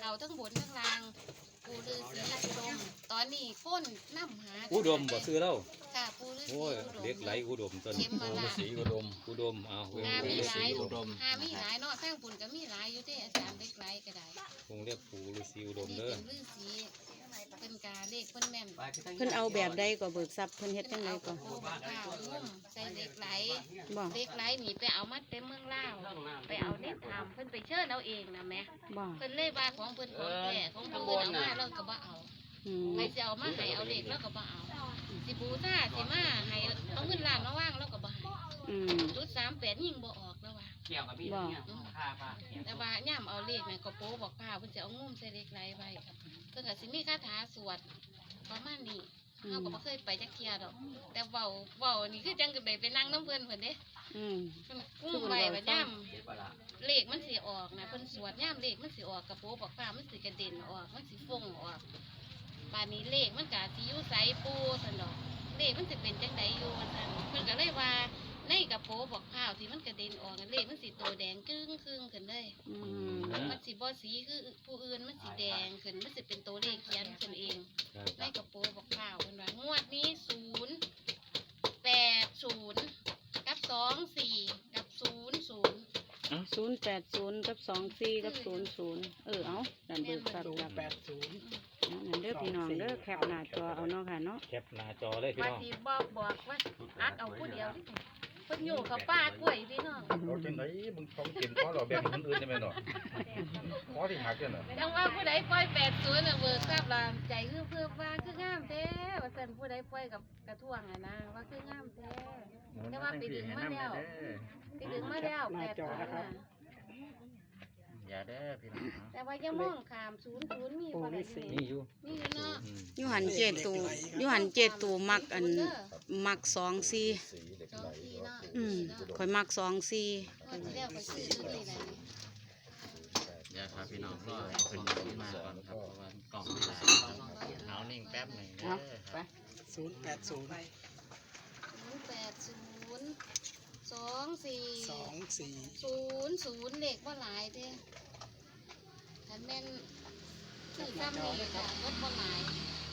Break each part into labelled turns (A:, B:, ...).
A: เขาทั้งบนทั้งล่างปูฤาษีอุดมตอนนี้ก้นน้ำหา
B: อุดมบ่ซื้อแล้ว
A: ค่ะปูฤาษี
B: โอ้ย
A: อุดม
B: เด็กไหลอุดมต้น
A: เข็มมาละ
B: สีอุดมเอา
A: หามีหลาย
B: อุดม
A: หามีหลายเนาะทั้งปุ่นก็มีหลายอยู่ที่อาจารย์เด็กไหลก็ได้
B: คงเรียกปู่ฤาษีอุดม
A: นี่
B: เด้อ
A: เป็นฤาษีเป็นกาเลขเพิ่นแม่น
C: เพิ่นเอาแบบใดก็เบิกทรัพย์เพิ่นเฮ็ดจังไดก็
A: ปูบักข้าวงุ่มใส่เด็กไหล
C: บ่
A: เด็กไหลหนีไปเอามาเต็มเมืองลาวไปเอาเด็กทำเพิ่นไปเชิญเอาเองนะแม่
C: บ่
A: เพิ่นเลยว่าของเพิ่นของแท้ของเพิ่นเอามาเราก็บ่เอา
C: อืม
A: ใครจะเอามาให้เอาเด็กเราก็บ่เอาสิบูชาสิมาให้เอาเงินล้านมาว่างเราก็บ่ให้
C: อืม
A: จุด38ยิงบ่ออกแล้วว่า
C: บ่
A: แต่ว่าย่ามเอาเลขนี่ก็โป๊บอกข้าวเพิ่นจะเอางุ่มใส่เด็กไหลไว้เพิ่นก็สิมีคาถาสวดประมาณนี้เฮาก็บ่เคยไปจักเที่ยดอกแต่เว้านี่คือจังก็ได้ไปนั่งนำเพิ่นเด้
C: อืม
A: เพิ่นกุ้มไว้ว่าย่ามเลขมันสิออกนะเพิ่นสวดย่ามเลขมันสิออกกระโปบอกข้าวมันสิกระเด็นออกมันสิฟงออกบานนี้เลขมันก็สิอยู่ไสปูซั่นดอกเลขมันสิเป็นจังไดอยู่ว่าซั่นเพิ่นก็เลยว่าในกระโปบอกข้าวที่มันกระเด็นออกนั่นเลขมันสิโตแดงครึ่งขึ้นเลย
C: อืม
A: มันสิบ่สีคือผู้อื่นมันสิแดงขึ้นมันสิเป็นตัวเลขเขียนขึ้นเอง
B: ครับ
A: ในกระโปบอกข้าวเพิ่นว่างวดนี้080กับ24กับ00
C: 080กับ24กับ00เอาดันเบิกทรัพย์ครับนั่นเด้อพี่น้องเด้อแคปหน้าจอเอาเนาะค่ะเนาะ
B: แคปหน้าจอเลยพี่
A: ว่า
B: น้อง
A: สิบอกว่าอักเอาผู้เดียวที่เพิ่นอยู่กับป้ากล้วยพี่น้อง
D: เราจังไหนมึงท้องกินเพราะเราแบ่งคนอื่นได้ไหมเนาะขอที่หักเนี่ยเนาะ
A: จังว่าผู้ใดปล่อย80น่ะเบิกทราบล่ะใจคือเพิ่มว่าคืองามแท้ว่าซั่นผู้ใดปล่อยกับกระท่วงอ่ะนะว่าคืองามแท้แต่ว่าไปดึงมาแล้ว80น่ะ
D: อย่าเด้อพี่น้อง
A: แต่ว่าอย่ามองข้าม00มีบ่ได้
B: นี่อยู่
A: มีอยู่เนาะ
C: อยู่หันเจตูมักมัก24
D: สีเหล็กไหล
A: เนาะ
C: ข่อยมัก24
A: งวดที่แล้วก็ซื้อตัวนี้แหละ
E: อย่าครับพี่น้องก็เป็นที่มาก่อนครับเพราะว่ากล่องไม่ได้เอานิ่งแป๊บหนึ่งเด้อครับ
A: 080 2400เลขบ่หลายเด้คันแม่นซื้อซ้ำนี่ก็ลดบ่หลาย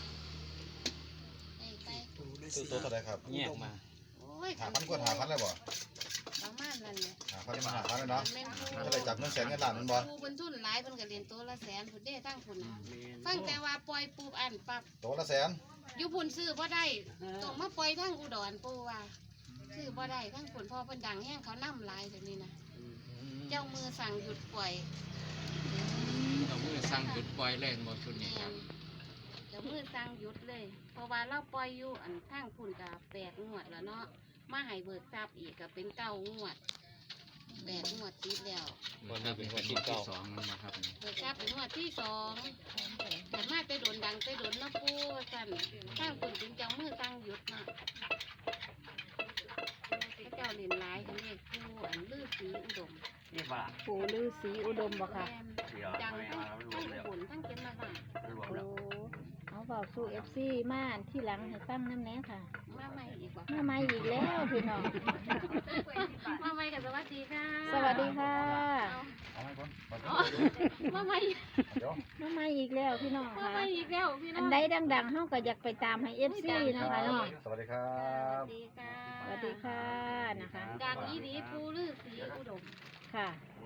A: ไป
D: ซื้อตัวเท่าไรครับ
B: แยกมา
A: โอ้ย
D: 5,000กว่า5,000เลยบ่
A: ประมาณนั้นแหละ
D: 5,000มา5,000เลยเนาะ
A: แม่น
D: จะได้จับเงินแสนเงินล้านมันบ่
A: ปูเพิ่นทุนหลายเพิ่นก็เรียนตัวละแสนพุ่นเด้ทั้งพุ่นน่ะฟังแต่ว่าปล่อยปูอันปั๊บ
D: ตัวละแสน
A: อยู่พุ่นซื้อบ่ได้ต้องมาปล่อยทั้งอุดรปูว่าซื้อบ่ได้ทั้งพุ่นพ่อเพิ่นดังแฮงเขานำหลายแบบนี้นะเจ้ามือสั่งหยุดปล่อย
E: เราเพิ่งสั่งหยุดปล่อยเล่นหมดชุดนี้
A: แม่
E: ครับ
A: นเจ้ามือสั่งหยุดเลย เพราะว่าเราปล่อยอยู่อันทางพุ่นก็8งวดแล้วเนาะมาให้เบิกทรัพย์อีกก็เป็น9งวด8งวดติดแล้ว
B: วันนี้เป็นวัน
E: ที่
B: ที่
E: สอ
B: 9
E: งนั่นนะครับ
A: เบิกทรัพย์เป็นงวดที่2แต่มาไปโดนดังไปโดนเนาะปูว่าซั่นทางพุ่นเป็นเจ้ามือสั่งหยุดเนาะพระเจ้าเล่นหลายกันเลขปูอันฤาษีอุดม
C: ปู่ฤาษีอุดมบ่ค่ะ
A: จังทั้งผลทั้งเก็บมาบ้าง
F: โอ้เอาเบาสู้ FC มาที่หลังให้ฟังน้ำแน่ค่ะ
A: มาใหม่อีกว่า
F: มาใหม่อีกแล้วพี่น้อง
A: มาใหม่กับสวัสดีค่ะ
F: สวัสดีค่ะ
D: เอาให้ก่อน
A: มาใหม่
D: เดี๋ยว
F: มาใหม่อีกแล้วพี่น้อง
A: มา
F: ค่ะ
A: ใหม่อีกแล้วพี่น้
F: อั
A: อง
F: นใดดังๆเฮาก็อยากไปตามให้ FC นะคะเนาะ
D: สวัสดีครั
A: ส
D: บ
A: วัสดีค่ะ
F: สวัสดีค่ะนะคะ
A: ดังอีดีปูฤาษีอุดม
F: ค่ะ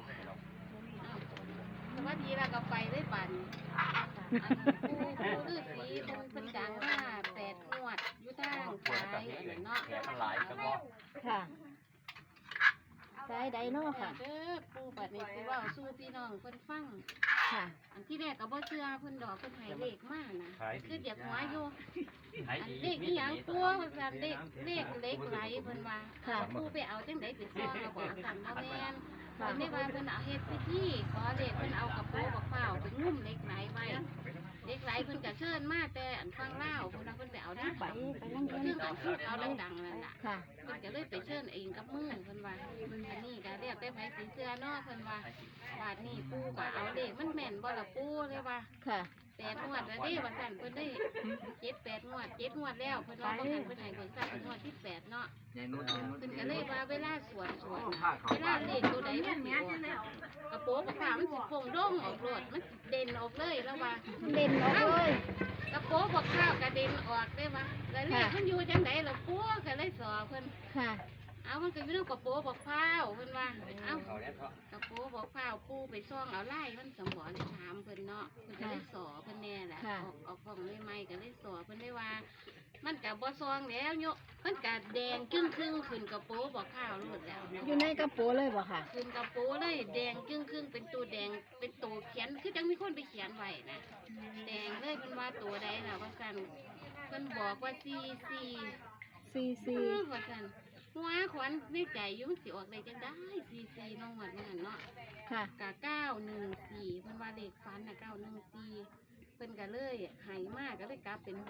A: สวัสดีแล้วก็ไปได้ปันปูฤาษีเป็นดังมา8งวดอยู่ทางซ้ายเนาะ
F: ค่ะสายใดเนาะค่ะ
A: เด้อปูบัดนี้สิเว้าสู่พี่น้องเพิ่นฟัง
F: ค่ะ
A: อันที่แรกก็บ่เชื่อเพิ่นดอกเพิ่นให้เลขมานะคืออยากหัวอยู่อันเลขอีหยังตัวว่าซั่นเลขเล็กไหลเพิ่นว่า
F: ค่ะ
A: ผู้ไปเอาจังได๋ไปซ่องแล้วบ่สั่นบ่แม่นเพิ่นได้ว่าเพิ่นเอาเฮ็ดพิธีขอเลขเพิ่นเอากระโปรงบักเป้าไปงุ้มเหล็กไหลไว้เหล็กไหลเพิ่นก็เชิญมาแต่อันฟังลาวเพิ่นว่าเพิ่นไปเอาได้
F: ไปนั่ง
A: ซึ่งอันที่เอาดังๆนั่นล่ะ
F: ค่ะ
A: เพิ่นก็เลยไปเชิญเองกับมือเพิ่นว่าอันนี้ก็เรียกแต่ไผสิเชื่อเนาะเพิ่นว่าบาดนี้ปู่ก็เอาเลขมันแม่นบ่ล่ะปู่เลยว่า
F: ค่ะ
A: ไป 8 งวดแล้วเด้ว่าซั่นเพิ่นได้7 8 งวด7 งวดแล้วเพิ่นว่าบ่ทันเพิ่นให้เบิ่งซับเป็นงวดที่8เนาะเพิ่นก็เลยว่าเวลาสวดน่ะเวลาเลขตัวใดมันสิออกกระโปรงกระผ้ามันสิโป่งโด่งออกโลดมันสิเด่นออกเลยแล้วว่า
F: เด่นออกเลย
A: กระโปรงบอกข้าวกระเด็นออกได้ปะแล้วเลขมันอยู่จังไดล่ะปัวก็เลยสอเพิ่น
F: ค่ะ
A: เอามันก็อยู่ในกระโปรงบอกข้าวเพิ่นว่าเอากระโปรงบอกข้าวปูไปซ่องเอาไล่มันสมบ่ได้ถามเพิ่นเนาะเพิ่นก็เลยสอเพิ่นแน่แหละออกกล่องใหม่ๆก็เลยสอเพิ่นได้ว่า มันก็บ่ซองแล้วโยมันก็แดงครึ่งขึ้นกระโปรงบอกข้าวโลดแล้ว
F: อยู่ในกระโปรงเลยบ่ค่ะ
A: ขึ้นกระโปรงเลยแดงครึ่งเป็นตัวแดงเป็นตัวเขียนคือจังมีคนไปเขียนไว้นะแดงเลยเพิ่นว่าตัวใดล่ะว่าซั่นเพิ่นบอกว่า44
F: ซี
A: ว่าซั่นหัวขวัญในใจอยู่มันสิออกได้จังได้44น้องหวัดนั่นเนาะ
F: ค่ะ
A: กะ914เพิ่นว่าเลขฝันน่ะ914เพิ่นก็เลยใหายมากก็เลยกลับเป็น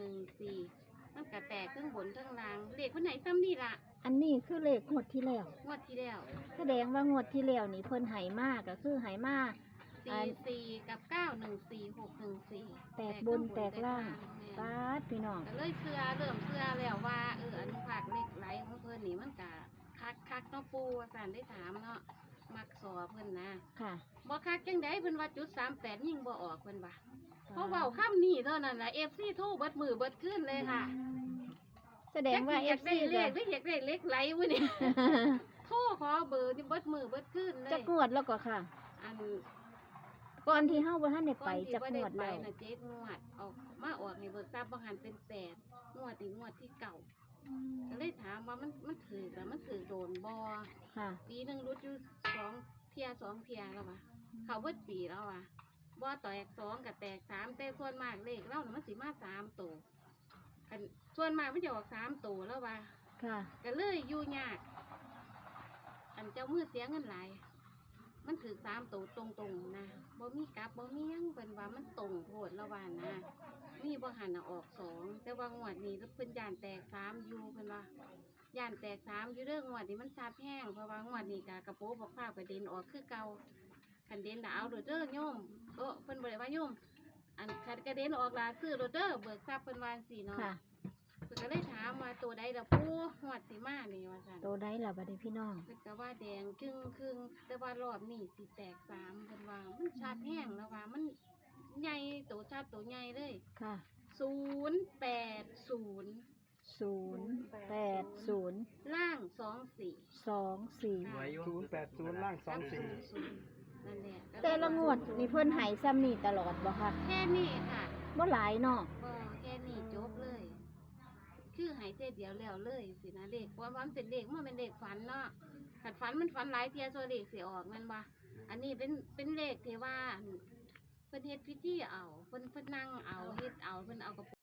A: 614มันก็แตกทั้งบนทั้งล่างเลขเพิ่นไหนซ้ำนี่ล่ะ
F: อันนี้คือเลขงวดที่แล้ว
A: งวดที่แล้ว
F: แสดงว่างวดที่แล้วนี่เพิ่นไหมากก็คือไหมาก
A: 44กับ914 614
F: แตกบนแตกล่าง
A: แม่น
F: ปาดพี่น้อง
A: ก็เลยเริ่มเชื่อแล้วว่าอนุภาคเหล็กไหลของเพิ่นนี่มันก็คักเนาะปูว่าซั่นได้ถามเนาะมักสอเพิ่นนะ
F: ค่ะ
A: บ่คักจังไดเพิ่นว่าจุด38ยิงบ่ออกเพิ่นว่าเพราะเว้าคำนี้เท่านั้นล่ะ FC โทรเบิดมือเบิดคืนเลยค่ะ
F: แสดงว่า
A: อยาก
F: FC
A: ได้เล
F: ก็
A: ขหรืออยากได้เหล็กไหลวะนี่ โทรขอเบอร์นี่เบิดมือเบิดคืนเลย
F: จักงวดแล้วก็ค่ะ
A: อัน
F: ก่อนที่เฮาบ่ทันได้ไป
A: ก่อนที่
F: จัก
A: บ่
F: ง
A: ได้
F: วด
A: ไป
F: แล้ว
A: น่ะ7 งวดออกมาออกให้เบิกทรัพย์บ่หันเป็น8 งวดที่เก่า ก็เลยถามว่ามันถือแล้วมันถือโดนบอ
F: ค่ะ
A: ปีหนึ่งรุดอยู่2 เที่ย2 เที่ยแล้ววะเขาเบิดปีแล้ววะบอแตก2กับแตก3แต่ส่วนมากเลขเล่าน่ะมันสิมา3ตัวอันส่วนมากมันจะออก3ตัวแล้ววะ
F: ค่ะ
A: ก็เลยอยู่ยาก อันเจ้ามือเสียเงินหลายมันถือ3ตัวตรงๆนะบ่มีกลับบ่มีหยังเป็นว่ามันตรงโพดแล้ววานะ มีบ่หันน่ะออก2แต่ว่างวดนี้เพิ่นย่านแตก3อยู่เพิ่นว่าย่านแตก3อยู่เรื่องงวดนี้มันซาบแห้งเพราะว่างวดนี้ก็กระโปรงบอกข้าวกระเด็นออกคือเก่าคันเด่นน่ะเอาโดดเด้อโยมเพิ่นบ่ได้ว่าโยมอันคันกระเด็นออกล่ะซื้อโดดเด้อเบิกทรัพย์เพิ่นว่าจังซี่เนาะ
F: ค่ะ
A: เพิ่นก็เลยถามว่าตัวใดล่ะปู่งวดสิมานี่ว่าซั่น
F: โตได้ล่ะบัดนี้พี่น้อง
A: เพิ่นก็ว่าแดงครึ่งแต่ว่ารอบนี้สิแตก3เพิ่นว่ามันชาดแห้งแล้วว่ามันใหญ่โตชาดโตใหญ่เลย
F: ค่ะ
A: 080
F: 080
A: ล่าง24
F: 24
G: 080ล่าง
A: กับ
G: 24
A: นั่นแหละ
F: แต่ละงวดนี่เพิ่นให้ซ้ำนี่ตลอดบ่ค่ะ
A: แค่นี้ค่ะ
F: บ่หลายเนาะ
A: ก็แค่นี้จบเลย คือใหายเจเดียวแล้วเลยสินะเลขเพราะว่ามันเป็นเลขมันเป็นเลขฝันเนาะขัดฝันมันฝันหลายเทียโซเลขสิออกแมันบ่อันนี้เป็นเลขที่ว่าเพิ่นเฮ็ดพิธีเอาเพิ่นนั่งเอาเฮ็ดเอาเพิ่นเอากระ